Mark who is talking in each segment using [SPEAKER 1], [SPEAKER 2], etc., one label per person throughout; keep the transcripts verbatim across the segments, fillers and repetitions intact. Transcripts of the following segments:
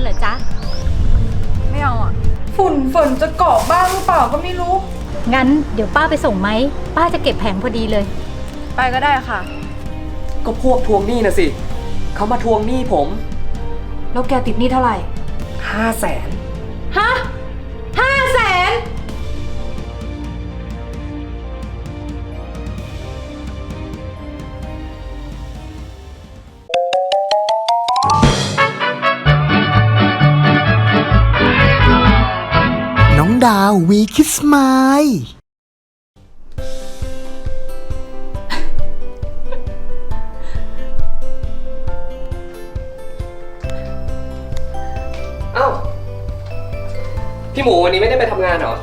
[SPEAKER 1] เหรอจ๊ะ
[SPEAKER 2] ไม่เอาอ่ะฝุ่นฝนจะเกาะบ้างหรือเปล่าก็ไม่รู้
[SPEAKER 1] งั้นเดี๋ยวป้าไปส่งไหมป้าจะเก็บแผงพอดีเลย
[SPEAKER 2] ไปก็ได้ค่ะ
[SPEAKER 3] ก็พวกทวงหนี้นะสิเขามาทวงหนี้ผม
[SPEAKER 2] แล้วแกติดหนี้เท่าไหร่
[SPEAKER 3] ห้าแสน
[SPEAKER 2] ฮะห้าแสน
[SPEAKER 4] น้องดาววีคิสไมล์
[SPEAKER 3] เอ้าพี่หมูวันนี้ไม่ได้ไปทำงานเหรอ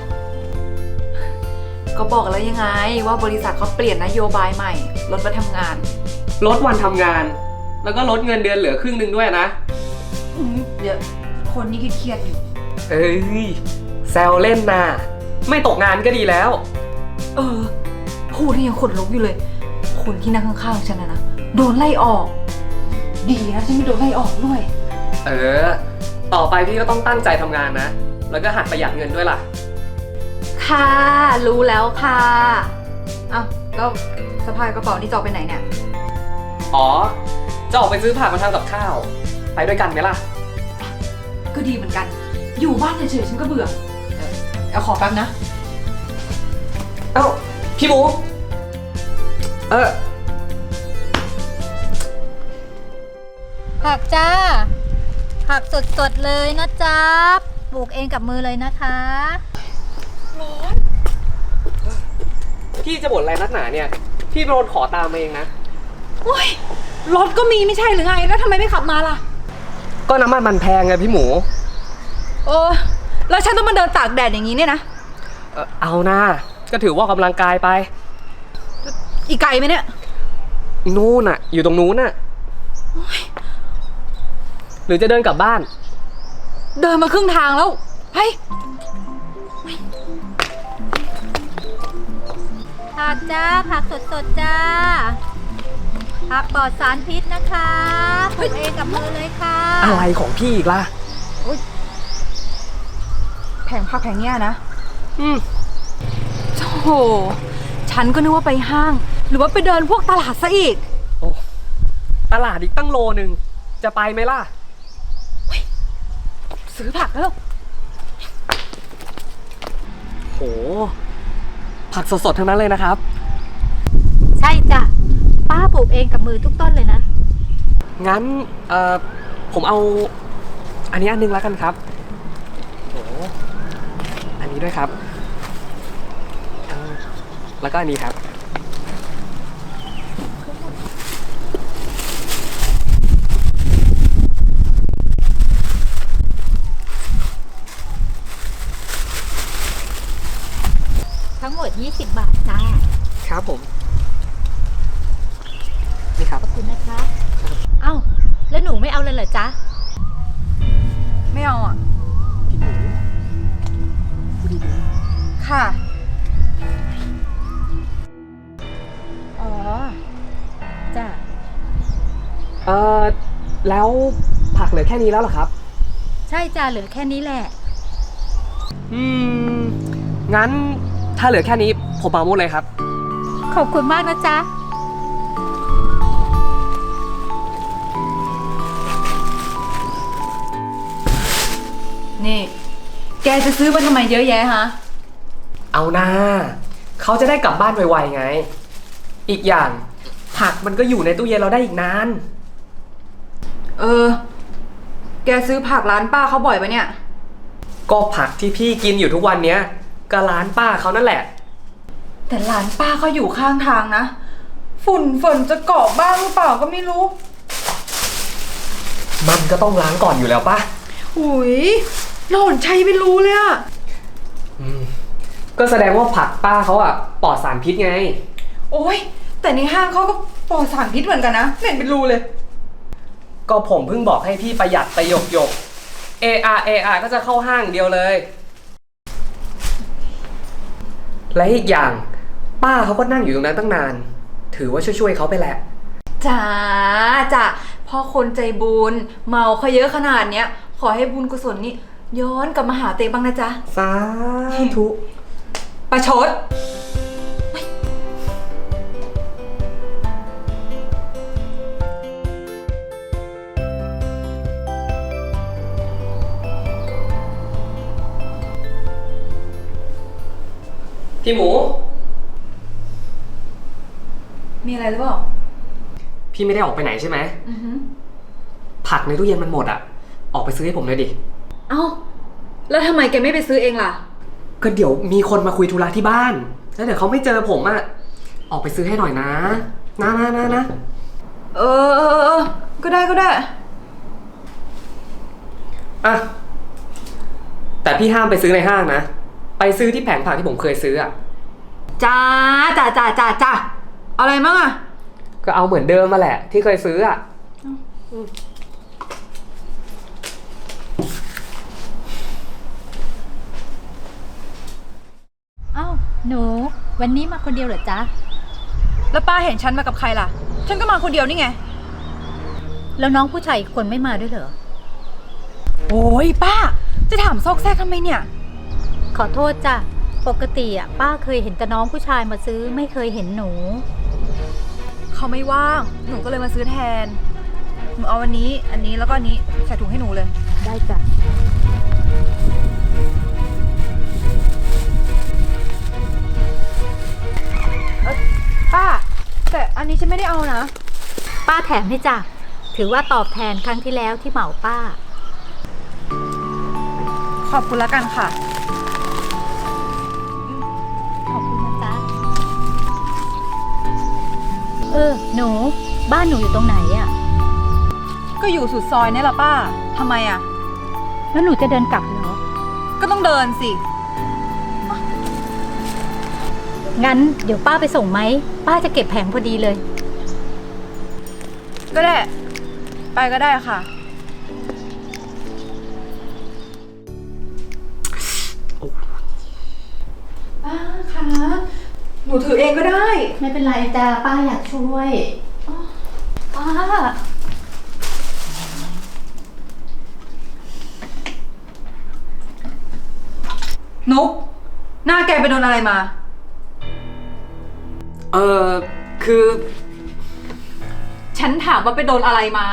[SPEAKER 2] ก็บอกแล้วยังไงว่าบริษัทเขาเปลี่ยนนโยบายใหม่ลดวันทำงาน
[SPEAKER 3] ลดวันทำงานแล้วก็ลดเงินเดือนเหลือครึ่งหนึ่งด้วยนะ
[SPEAKER 2] เดี๋ยวคนนี้เครียดอยู่
[SPEAKER 3] เอ้ยแซวเล่นนะไม่ตกงานก็ดีแล้ว
[SPEAKER 2] เออพูดนี่ยังขนลุกอยู่เลยคนที่นั่งข้างๆฉันนะนะโดนไล่ออกดีนะฉันไม่โดนไล่ออกด้วย
[SPEAKER 3] เออต่อไปพี่ก็ต้องตั้งใจทำงานนะแล้วก็หัดประหยัดเงินด้วยล่ะ
[SPEAKER 2] ค่ะรู้แล้วค่ะอ้าวแล้วสะพายกระเป๋านี่จะออกไปไหนเนี่ย
[SPEAKER 3] อ๋อจะออกไปซื้อผักมาทำกับข้าวไปด้วยกันไหมล่ะ
[SPEAKER 2] ก็ดีเหมือนกันอยู่บ้านเฉยๆฉันก็เบื่อเอาขอแป๊บนะ
[SPEAKER 3] เอ้าพี่หมูเออ
[SPEAKER 1] ผักจ้าผักสดๆเลยนะจ๊ะปลูกเองกับมือเลยนะคะ
[SPEAKER 3] ร้อนพี่จะบ่นอะไรนักหนาเนี่ยพี่โดนขอตามมาเองนะ
[SPEAKER 2] โอ้ยรถก็มีไม่ใช่หรือไงแล้วทำไมไม่ขับมาล่ะ
[SPEAKER 3] ก็น้ำมันมันแพงไงพี่หมู
[SPEAKER 2] เออแล้วฉันต้องมาเดินตากแดดอย่างนี้เนี่ยนะ
[SPEAKER 3] เออเอานะก็ถือว่ากำลังกายไป
[SPEAKER 2] อีกไกลไหมเนี่ย
[SPEAKER 3] นู่นน่ะอยู่ตรงนู้นน่ะหรือจะเดินกลับบ้าน
[SPEAKER 2] เดินมาครึ่งทางแล้วเฮ้ย
[SPEAKER 1] ผักจ้าผักสดๆจ้าผักปลอดสารพิษนะคะปลูกเองกับมือเลยค่ะ
[SPEAKER 3] อะไรของพี่อีกล่ะ
[SPEAKER 2] แผงผักแผงเนี้ยนะ
[SPEAKER 3] อืม
[SPEAKER 2] โธ่ฉันก็นึกว่าไปห้างหรือว่าไปเดินพวกตลาดซะอีก
[SPEAKER 3] โอ้ตลาดอีกตั้งโลนึงจะไปไหมล่ะ
[SPEAKER 2] ซื้อผักแล้ว
[SPEAKER 3] โหผักสดๆทั้งนั้นเลยนะครับ
[SPEAKER 1] ใช่จ้ะป้าปลูกเองกับมือทุกต้นเลยนะ
[SPEAKER 3] งั้นเอ่อผมเอาอันนี้อันนึงแล้วกันครับโหอันนี้ด้วยครับแล้วก็อันนี้ครับ
[SPEAKER 1] ทั้งหมดยี่สิบบาทจ้า
[SPEAKER 3] ครับผมนี่ครับ
[SPEAKER 1] ขอบคุณนะคะเอ้าแล้วหนูไม่เอาเลยเหรอจ๊ะ
[SPEAKER 2] ไม่เอาอ่ะ
[SPEAKER 3] พี่หนูพูดดี
[SPEAKER 2] ๆค่ะอ๋อจ้ะ
[SPEAKER 3] เอ่อแล้วผักเหลือแค่นี้แล้วเหรอครับ
[SPEAKER 1] ใช่จ้ะเหลือแค่นี้แหละ
[SPEAKER 3] อืมงั้นถ้าเหลือแค่นี้ผมเอาหมดเลยครับ
[SPEAKER 1] ขอบคุณมากนะจ๊ะ
[SPEAKER 2] นี่แกจะซื้อมาทำไมเยอะแยะฮะ
[SPEAKER 3] เอาหน้าเขาจะได้กลับบ้านไวๆไงอีกอย่างผักมันก็อยู่ในตู้เย็นเราได้อีกนาน
[SPEAKER 2] เออแกซื้อผักร้านป้าเขาบ่อยปะเนี่ย
[SPEAKER 3] ก็ผักที่พี่กินอยู่ทุกวันเนี้ยก็ร้านป้าเขานั่นแหละ
[SPEAKER 2] แต่ร้านป้าเขาอยู่ข้างทางนะฝุ่นฝนจะเกาะบ้างหรือเปล่าก็ไม่รู้
[SPEAKER 3] มันก็ต้องล้างก่อนอยู่แล้วป่ะ
[SPEAKER 2] อุ้ยหล่อนชัยไม่รู้เลยอะ
[SPEAKER 3] อืมก็แสดงว่าผักป้าเขาอะปลอดสารพิษไง
[SPEAKER 2] โอ้ยแต่ในห้างเขาก็ปลอดสารพิษเหมือนกันนะไม่เห็นเป็นรูเลย
[SPEAKER 3] ก็ผมเพิ่งบอกให้พี่ประหยัดไปหยกหยก เอ อาร์ เอ อาร์ ก็จะเข้าห้างเดียวเลยและอีกอย่างป้าเขาก็นั่งอยู่ตรงนั้นตั้งนานถือว่าช่วยๆเขาไปแหละ
[SPEAKER 2] จ้าจ้ะพอคนใจบุญเมาเขาเยอะขนาดเนี้ยขอให้บุญกุศลนี่ย้อนกลับมาหาเตบ้างนะจ๊ะ
[SPEAKER 3] สาธุ
[SPEAKER 2] ประชด
[SPEAKER 3] พี่หมู
[SPEAKER 2] มีอะไรหรือเปล่า
[SPEAKER 3] พี่ไม่ได้ออกไปไหนใช่ไหม
[SPEAKER 2] อือฮึ
[SPEAKER 3] ผักในตู้เย็นมันหมดอ่ะ ออกไปซื้อให้ผมเลยดิ
[SPEAKER 2] เอ้า แล้วทำไมแกไม่ไปซื้อเองล่ะ
[SPEAKER 3] ก็เดี๋ยวมีคนมาคุยธุระที่บ้าน แล้วเดี๋ยวเขาไม่เจอผมอ่ะ ออกไปซื้อให้หน่อยนะ นะนะนะนะ
[SPEAKER 2] เออเออเออก็ได้ก็ได้
[SPEAKER 3] อ่ะ แต่พี่ห้ามไปซื้อในห้างนะ ไปซื้อที่แผงผักที่ผมเคยซื้ออ่ะ
[SPEAKER 2] จ้าจ้าจ้าจ้าจ้าเอาอะไรมั่งอะ
[SPEAKER 3] ก็เอาเหมือนเดิมมาแหละ ที่เคยซื้ออ่ะ
[SPEAKER 1] เอ้าหนู วันนี้มาคนเดียวเหรอจ๊ะ
[SPEAKER 2] แล้วป้าเห็นฉันมากับใครล่ะ ฉันก็มาคนเดียวนี่ไง
[SPEAKER 1] แล้วน้องผู้ชายอีกคนไม่มาด้วยเหรอ
[SPEAKER 2] โอ้ยป้า จะถามซอกแซกทำไมเนี่ย
[SPEAKER 1] ขอโทษจ้ะ ปกติอ่ะป้าเคยเห็นแต่น้องผู้ชายมาซื้อไม่เคยเห็นหนู
[SPEAKER 2] เขาไม่ว่าง หนูก็เลยมาซื้อแทน หนูเอาวันนี้ อันนี้แล้วก็อันนี้ใส่ถุงให้หนูเลย
[SPEAKER 1] ได้จ้ะ
[SPEAKER 2] ป้า แต่อันนี้ฉันไม่ได้เอานะ
[SPEAKER 1] ป้าแถมให้จ้ะ ถือว่าตอบแทนครั้งที่แล้วที่เหมาป้า
[SPEAKER 2] ขอบคุณแล้วกันค่ะ
[SPEAKER 1] ขอบคุณนะจ๊ะ เออ หนู บ้านหนูอยู่ตรงไหนอ่ะ
[SPEAKER 2] ก็อยู่สุดซอยนี่แหละป้า ทำไมอะ
[SPEAKER 1] แล้วหนูจะเดินกลับเหรอ
[SPEAKER 2] ก็ต้องเดินสิ
[SPEAKER 1] งั้นเดี๋ยวป้าไปส่งไหม ป้าจะเก็บแผงพอดีเลย
[SPEAKER 2] ก็ได้ ไปก็ได้ค่ะ ป้าคะ หนูถือเองก็ได้
[SPEAKER 1] ไม่เป็นไรจ้ะป้าอยากช่วยป้า
[SPEAKER 2] นุก หน้าแกไปโดนอะไรมา
[SPEAKER 3] เออคือ
[SPEAKER 2] ฉันถามว่าไปโดนอะไรมา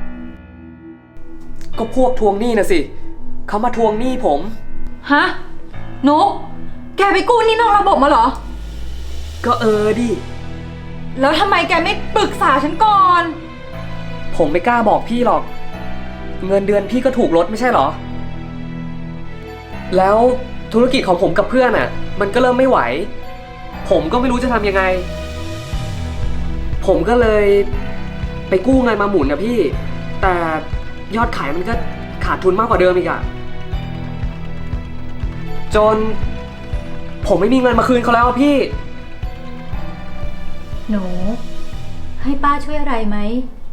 [SPEAKER 3] ก็พวกทวงหนี้นะสิ เขามาทวงหนี้ผม
[SPEAKER 2] ฮะ นุก แกไปกู้หนี้นอกระบบมาเหรอ
[SPEAKER 3] ก็เออดิ
[SPEAKER 2] แล้วทำไมแกไม่ปรึกษาฉันก่อน
[SPEAKER 3] ผมไม่กล้าบอกพี่หรอก เงินเดือนพี่ก็ถูกลดไม่ใช่เหรอ แล้วธุรกิจของผมกับเพื่อนอ่ะ มันก็เริ่มไม่ไหว ผมก็ไม่รู้จะทำยังไง ผมก็เลยไปกู้เงินมาหมุนนะพี่ แต่ยอดขายมันก็ขาดทุนมากกว่าเดิมอีกอะจน ผมไม่มีเงินมาคืนเขาแล้วอะพี่
[SPEAKER 1] หนู ให้ป้าช่วยอะไรไหม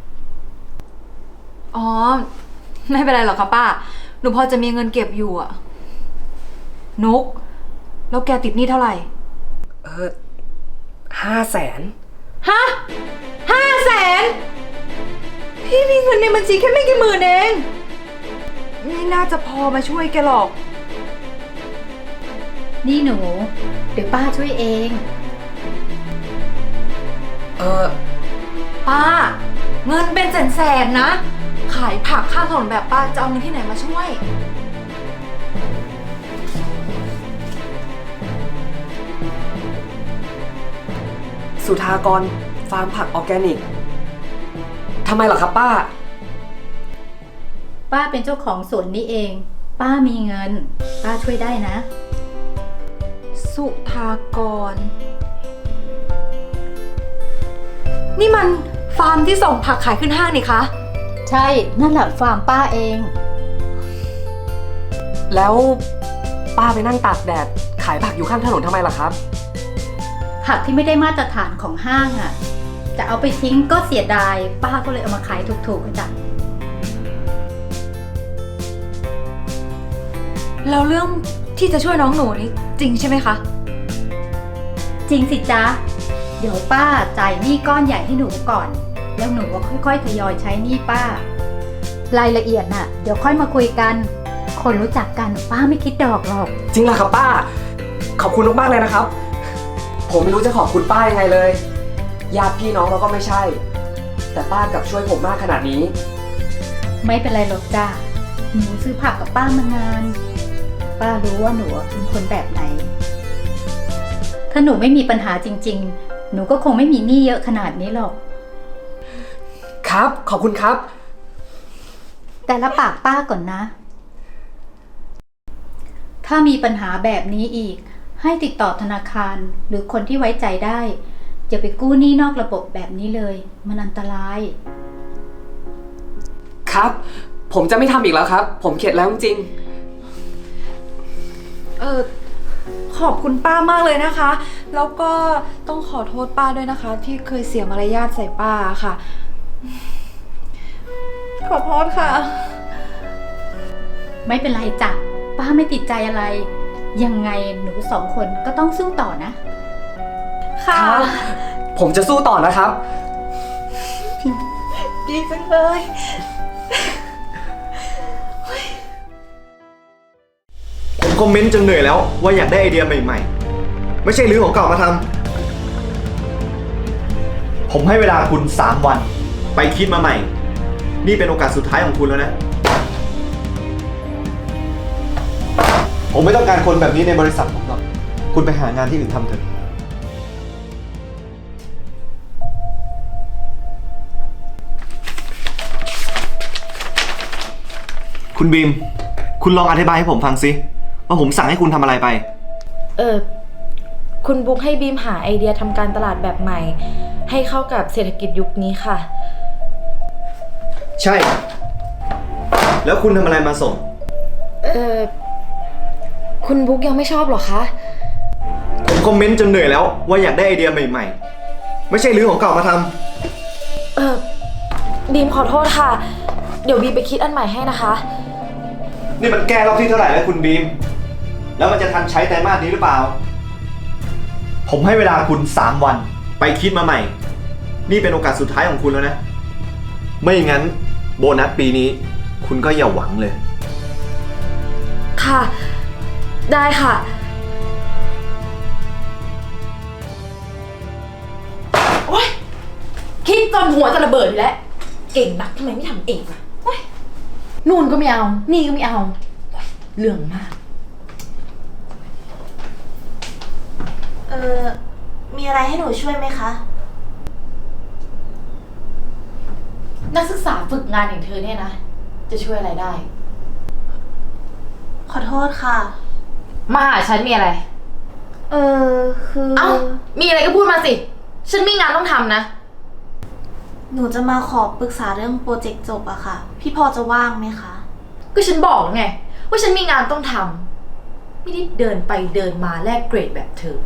[SPEAKER 2] อ๋อ ไม่เป็นไรหรอกค่ะป้า หนูพอจะมีเงินเก็บอยู่อะนุก แล้วแกติดหนี้เท่าไหร่
[SPEAKER 3] เออห้าแสน
[SPEAKER 2] ฮะห้าแสน พี่มีเงินในบัญชีแค่ไม่กี่หมื่นเอง ไม่น่าจะพอมาช่วยแกหรอก
[SPEAKER 1] นี่หนู เดี๋ยวป้าช่วยเอง
[SPEAKER 3] เออ
[SPEAKER 2] ป้า เงินเป็นแสนๆนะ ขายผักข้างถนนแบบป้าจะเอาเงินที่ไหนมาช่วย
[SPEAKER 3] สุธากรฟาร์มผักออร์แกนิก ทำไมเหรอครับป้า
[SPEAKER 1] ป้าเป็นเจ้าของสวนนี้เอง ป้ามีเงิน ป้าช่วยได้นะ
[SPEAKER 2] สุธากร นี่มันฟาร์มที่ส่งผักขายขึ้นห้างนี่คะ
[SPEAKER 1] ใช่ นั่นแหละฟาร์มป้าเอง
[SPEAKER 3] แล้วป้าไปนั่งตากแดด ขายผักอยู่ข้างถนนทำไมล่ะครับ
[SPEAKER 1] ผักที่ไม่ได้มาตรฐานของห้างอ่ะ จะเอาไปทิ้งก็เสียดาย ป้าก็เลยเอามาขายถูกๆจ้ะ
[SPEAKER 2] แล้วเรื่องที่จะช่วยน้องหนูนี่จริงใช่ไหมคะ
[SPEAKER 1] จริงสิจ๊ะ เดี๋ยวป้าจ่ายหนี้ก้อนใหญ่ให้หนูก่อน แล้วหนูก็ค่อยๆทยอยใช้หนี้ป้ารายละเอียดน่ะ เดี๋ยวค่อยมาคุยกัน คนรู้จักกันป้าไม่คิดดอกหรอก
[SPEAKER 3] จริงเหรอครับป้า ขอบคุณมากๆเลยนะครับ ผมไม่รู้จะขอบคุณป้ายังไงเลย ญาติพี่น้องเราก็ไม่ใช่ แต่ป้ากลับช่วยผมมากขนาดนี้
[SPEAKER 1] ไม่เป็นไรหรอกจ้าหนูซื้อผักกับป้ามานาน ป้ารู้ว่าหนูเป็นคนแบบไหน ถ้าหนูไม่มีปัญหาจริงๆ หนูก็คงไม่มีหนี้เยอะขนาดนี้หรอก
[SPEAKER 3] ครับ ขอบคุณครับ
[SPEAKER 1] แต่ละปากป้าก่อนนะ ถ้ามีปัญหาแบบนี้อีก ให้ติดต่อธนาคารหรือคนที่ไว้ใจได้อย่าไปกู้หนี้นอกระบบแบบนี้เลย มันอันตราย
[SPEAKER 3] ครับ ผมจะไม่ทำอีกแล้วครับ ผมเข็ดแล้วจริง
[SPEAKER 2] เออขอบคุณป้ามากเลยนะคะ แล้วก็ต้องขอโทษป้าด้วยนะคะ ที่เคยเสียมารยาทใส่ป้าค่ะ ขอโทษค่ะ
[SPEAKER 1] ไม่เป็นไรจ้ะป้าไม่ติดใจอะไร ยังไงหนูสองคนก็ต้องสู้ต่อนะ
[SPEAKER 2] ค่ะ
[SPEAKER 3] ครับ ผมจะสู้ต่อนะครับ
[SPEAKER 2] ดีจังเลย
[SPEAKER 5] ผมคอมเมนต์จนเหนื่อยแล้วว่าอยากได้ไอเดียใหม่ๆ ไม่ใช่รื้อของเก่ามาทำ ผมให้เวลาคุณสามวัน ไปคิดมาใหม่ นี่เป็นโอกาสสุดท้ายของคุณแล้วนะ ผมไม่ต้องการคนแบบนี้ในบริษัทผมหรอก คุณไปหางานที่อื่นทำเถอะ คุณบีม คุณลองอธิบายให้ผมฟังสิว่าผมสั่งให้คุณทำอะไรไป
[SPEAKER 6] เออคุณบุ๊กให้บีมหาไอเดียทำการตลาดแบบใหม่ ให้เข้ากับเศรษฐกิจยุคนี้ค่ะ
[SPEAKER 5] ใช่ แล้วคุณทำอะไรมาส่ง
[SPEAKER 6] เออคุณบุ๊กยังไม่ชอบหรอคะ
[SPEAKER 5] ผมคอมเมนต์จนเหนื่อยแล้วว่าอยากได้ไอเดียใหม่ๆ ไม่ใช่รื้อของเก่ามาทำ
[SPEAKER 6] เออบีมขอโทษค่ะ เดี๋ยวบีมไปคิดอันใหม่ให้นะคะ
[SPEAKER 5] นี่มันแก้รอบที่เท่าไหร่แล้วคุณบีม แล้วมันจะทันใช้ไตรมาสนี้หรือเปล่า ผมให้เวลาคุณสามวัน ไปคิดมาใหม่ นี่เป็นโอกาสสุดท้ายของคุณแล้วนะ ไม่อย่างนั้นโบนัสปีนี้ คุณก็อย่าหวังเลย
[SPEAKER 6] ค่ะ ได้ค่ะ โอ๊ย คิดจนหัวจะระเบิดอยู่แล้ว เก่งนักทำไมไม่ทำเองล่ะโอ๊ยนู่นก็ไม่เอา นี่ก็ไม่เอาโอ๊ยเรื่องมาก
[SPEAKER 7] เออมีอะไรให้หนูช่วยไหมคะ
[SPEAKER 6] นักศึกษาฝึกงานอย่างเธอเนี่ยนะ จะช่วยอะไรได้
[SPEAKER 7] ขอโทษค่ะ
[SPEAKER 6] มาหาฉันมีอะไร
[SPEAKER 7] เออคือ
[SPEAKER 6] เอ้า มีอะไรก็พูดมาสิ ฉันมีงานต้องทำนะ
[SPEAKER 7] หนูจะมาขอปรึกษาเรื่องโปรเจกต์จบอะค่ะ พี่พอจะว่างไหมคะ
[SPEAKER 6] ก็ฉันบอกแล้วไง ว่าฉันมีงานต้องทำ ไม่ได้เดินไปเดินมาแลกเกรดแบบเธอ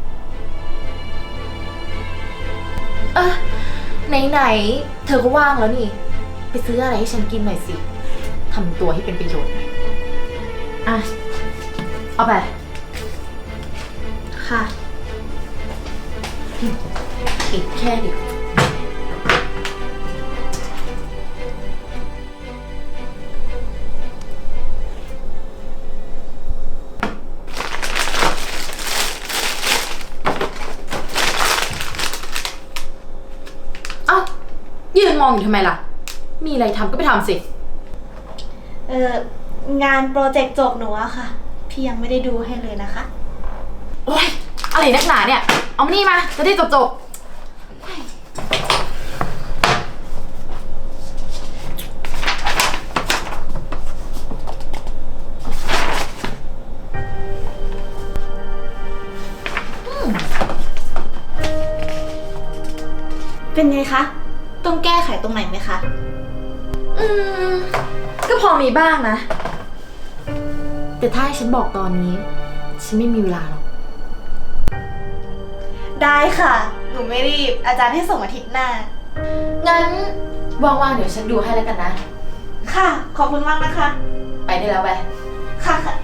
[SPEAKER 6] เออไหนๆ เธอก็ว่างแล้วนี่ ไปซื้ออะไรให้ฉันกินหน่อยสิ ทำตัวให้เป็นประโยชน์หน่อยอ่ะ เอาไป
[SPEAKER 7] ค่ะ
[SPEAKER 6] อีกแค่เดียวเอ้า ยืนมองอยู่ทำไมล่ะ มีอะไรทำก็ไปทำสิ
[SPEAKER 7] เอองานโปรเจกต์จบหนูอะค่ะ พี่ยังไม่ได้ดูให้เลยนะคะ
[SPEAKER 6] โอ๊ย อะไรนักหนาเนี่ย เอามานี่มา จะได้จบจบ
[SPEAKER 7] เป็นไงคะ ต้องแก้ไขตรงไหนไหมคะ
[SPEAKER 6] อืม ก็พอมีบ้างนะ แต่ถ้าให้ฉันบอกตอนนี้ ฉันไม่มีเวลาหรอก
[SPEAKER 7] ได้ค่ะ หนูไม่รีบ อาจารย์ให้ส่งอาทิตย์หน้า
[SPEAKER 6] งั้นว่างๆเดี๋ยวฉันดูให้แล้วกันนะ
[SPEAKER 7] ค่ะ ขอบคุณมากนะคะ
[SPEAKER 6] ไปได้แล้วไป
[SPEAKER 7] ค่ะค่ะ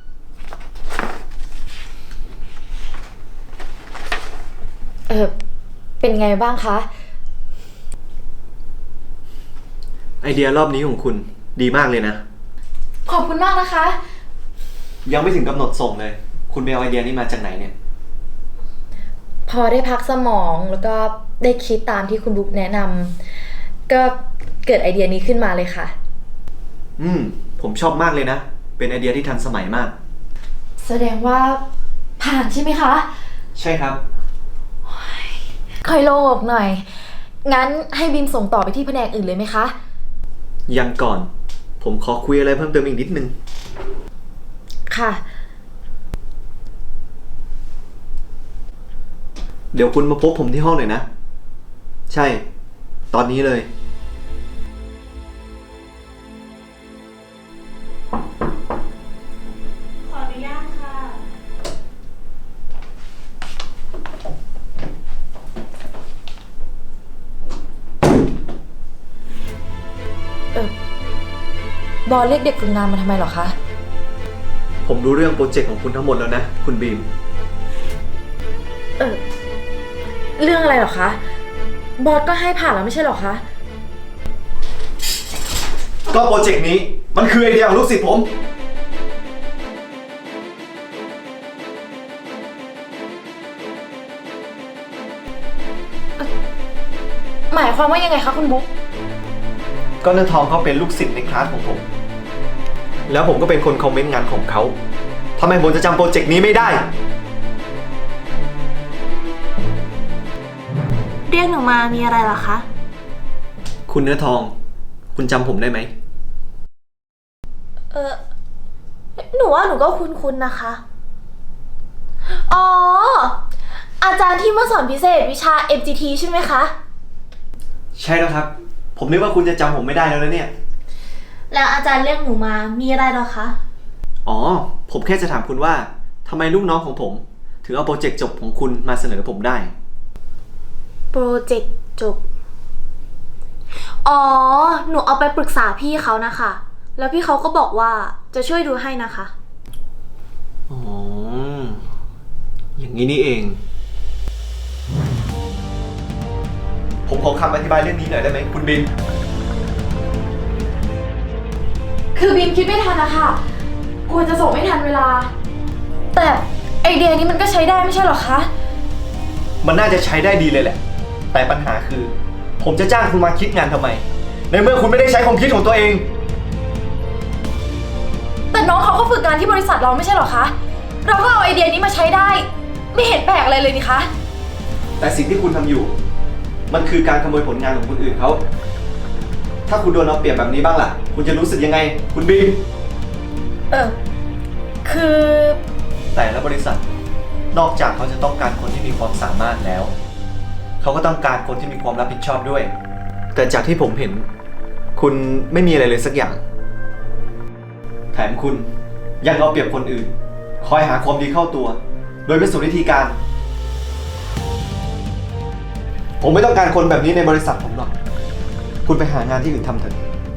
[SPEAKER 6] เออเป็นไงบ้างคะ
[SPEAKER 5] ไอเดียรอบนี้ของคุณดีมากเลยนะ
[SPEAKER 6] ขอบคุณมากนะคะ
[SPEAKER 5] ยังไม่ถึงกำหนดส่งเลย คุณไปเอาไอเดียนี้มาจากไหนเนี่ย
[SPEAKER 6] พอได้พักสมองแล้วก็ได้คิดตามที่คุณบุ๊กแนะนำก็เกิดไอเดียนี้ขึ้นมาเลยค่ะ
[SPEAKER 5] อืม ผมชอบมากเลยนะ เป็นไอเดียที่ทันสมัยมาก
[SPEAKER 6] แสดงว่าผ่านใช่ไหมคะ
[SPEAKER 5] ใช่ครับ
[SPEAKER 6] ค่อยโล่งอกหน่อย งั้นให้บิมส่งต่อไปที่แผนกอื่นเลยไหมคะ
[SPEAKER 5] ยังก่อน ผมขอคุยอะไรเพิ่มเติมอีกนิดนึง
[SPEAKER 6] ค่ะ
[SPEAKER 5] เดี๋ยวคุณมาพบผมที่ห้องหน่อยนะ ใช่ ตอนนี้เลย
[SPEAKER 7] ขออนุญาตค่ะ
[SPEAKER 6] เออ บอสเรียกเด็กฝึกงานมาทำไมเหรอคะ
[SPEAKER 5] ผมรู้เรื่องโปรเจกต์ของคุณทั้งหมดแล้วนะ คุณบีม
[SPEAKER 6] เออ เรื่องอะไรเหรอคะ บอสก็ให้ผ่านแล้วไม่ใช่เหรอคะ
[SPEAKER 5] ก็โปรเจกต์นี้มันคือไอเดียของลูกศิษย์ผม
[SPEAKER 6] หมายความว่ายังไงคะคุณบุ๊ก
[SPEAKER 5] ก็เนื้อทองเขาเป็นลูกศิษย์ในคลาสของผม แล้วผมก็เป็นคนคอมเมนต์งานของเขาทำไมผมจะจำโปรเจกต์นี้ไม่ได้
[SPEAKER 7] เรียกหนูมามีอะไรเหรอคะ
[SPEAKER 5] คุณเนื้อทอง คุณจำผมได้ไหม
[SPEAKER 7] เออ หนูว่าหนูก็คุ้นๆนะคะ อ๋อ อาจารย์ที่มาสอนพิเศษวิชา เอ็ม จี ที ใช่ไหมคะ
[SPEAKER 5] ใช่แล้วครับ ผมนึกว่าคุณจะจำผมไม่ได้แล้วนะเนี่ย
[SPEAKER 7] แล้วอาจารย์เรียกหนูมามีอะไรเหรอคะ
[SPEAKER 5] อ๋อ ผมแค่จะถามคุณว่าทำไมลูกน้องของผม ถึงเอาโปรเจกต์จบของคุณมาเสนอผมได้
[SPEAKER 7] โปรเจกต์จบ อ๋อ หนูเอาไปปรึกษาพี่เขานะคะ แล้วพี่เขาก็บอกว่าจะช่วยดูให้นะคะ
[SPEAKER 5] อ๋อ อย่างนี้นี่เอง ผมขอคำอธิบายเรื่องนี้หน่อยได้ไหมคุณบิน
[SPEAKER 6] คือบีมคิดไม่ทันนะคะกลัวจะส่งไม่ทันเวลา แต่ไอเดียนี้มันก็ใช้ได้ไม่ใช่เหรอคะ
[SPEAKER 5] มันน่าจะใช้ได้ดีเลยแหละ แต่ปัญหาคือ ผมจะจ้างคุณมาคิดงานทำไม ในเมื่อคุณไม่ได้ใช้ความคิดของตัวเอง
[SPEAKER 6] แต่น้องเขาก็ฝึกงานที่บริษัทเราไม่ใช่เหรอคะ เราก็เอาไอเดียนี้มาใช้ได้ ไม่เห็นแปลกอะไรเลยนี่คะ
[SPEAKER 5] แต่สิ่งที่คุณทำอยู่ มันคือการขโมยผลงานของคนอื่นเขา ถ้าคุณโดนเอาเปรียบแบบนี้บ้างล่ะ คุณจะรู้สึกยังไง คุณบีม
[SPEAKER 6] เออ คือ
[SPEAKER 5] แต่ละบริษัท นอกจากเขาจะต้องการคนที่มีความสามารถแล้ว เขาก็ต้องการคนที่มีความรับผิดชอบด้วย แต่จากที่ผมเห็น คุณไม่มีอะไรเลยสักอย่าง แถมคุณยังเอาเปรียบคนอื่น คอยหาความดีเข้าตัว โดยไม่สนวิธีการ ผมไม่ต้องการคนแบบนี้ในบริษัทผมหรอก คุณไปหางานที่อื่นทำเถอะ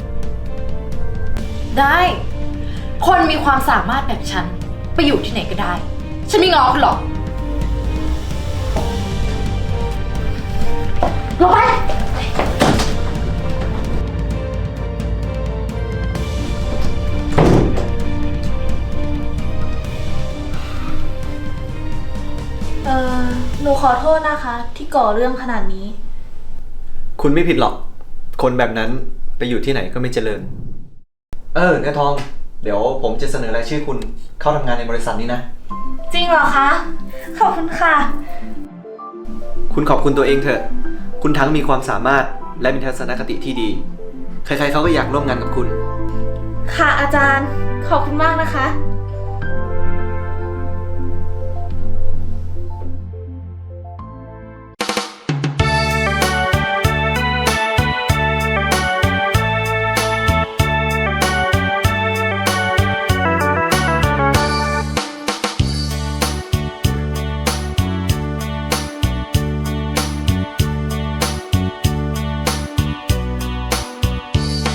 [SPEAKER 6] ได้ คนมีความสามารถแบบฉัน ไปอยู่ที่ไหนก็ได้ ฉันไม่ง้อคุณหรอกลงไป
[SPEAKER 7] เออหนูขอโทษนะคะ ที่ก่อเรื่องขนาดนี้
[SPEAKER 5] คุณไม่ผิดหรอก คนแบบนั้นไปอยู่ที่ไหนก็ไม่เจริญ เออเนื้อทอง เดี๋ยวผมจะเสนอรายชื่อคุณเข้าทำงานในบริษัทนี้นะ
[SPEAKER 7] จริงเหรอคะ ขอบคุณค่ะ
[SPEAKER 5] คุณขอบคุณตัวเองเถอะ คุณทั้งมีความสามารถและมีทัศนคติที่ดี ใครๆเขาก็อยากร่วมงานกับคุณ
[SPEAKER 7] ค่ะอาจารย์ ขอบคุณมากนะคะ